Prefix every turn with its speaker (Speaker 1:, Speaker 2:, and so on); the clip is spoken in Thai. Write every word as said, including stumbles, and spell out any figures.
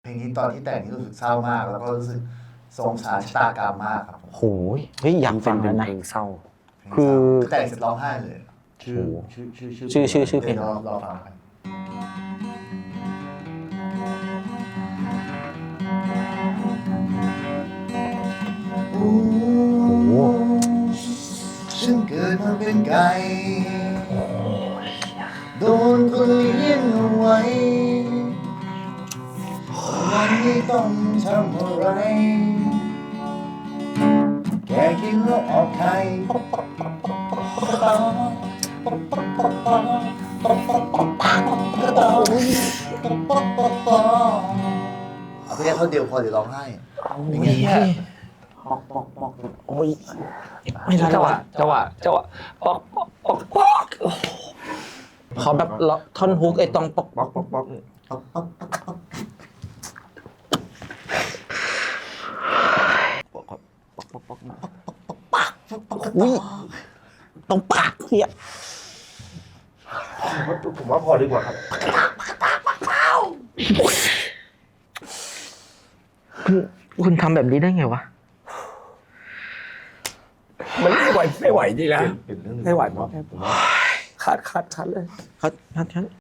Speaker 1: เพลงนี้ตอนที่แต่งนี่รู้สึกเศร้ามาก แล้วก็รู้สึกสงสารชะตากรรมมากครับผม
Speaker 2: โหยเฮ้ยอยากฟังแล้วนะ
Speaker 3: เพลงเศร้า
Speaker 2: คือ
Speaker 1: แต่งเสร็จร้องไห้เลย
Speaker 3: ชื่อชื่อชื่อ
Speaker 2: ชื่อชื่อชื่อเพล
Speaker 1: เดี๋ย
Speaker 2: ง
Speaker 1: วรอรอฟังกัน โอ้โหฉันเกิดมาเป็นไก่โดนคนเลี้ยงเอาไว้วันนี้ต้องทำอะไรแกกินแล้วออกไข่เอาแค่เขาเดียวพอเดี๋ยวร้องไห้อย่างเงี้ย
Speaker 2: โอ้ยไม่ได้
Speaker 3: จังหวะ
Speaker 2: วะ
Speaker 3: จังหวะจังหวะปอกปอกปอกปอก
Speaker 2: ขอแบบล็อกท่อนฮุกไอ้ตรงปอก
Speaker 3: ปอกปอกปอก
Speaker 2: อุ้ยตรงปากเนี่ย
Speaker 3: ผมว่าพอดีกว่าครับ
Speaker 2: คุณคุณทำแบบนี้ได้ไงวะ
Speaker 3: มันไม่ไหวไม่ไหวจริงนะ
Speaker 1: เปลี่ยนเรื่อง
Speaker 3: ไม่ไหวเพราะคัดคัดคัดเลย
Speaker 2: เขาท่าน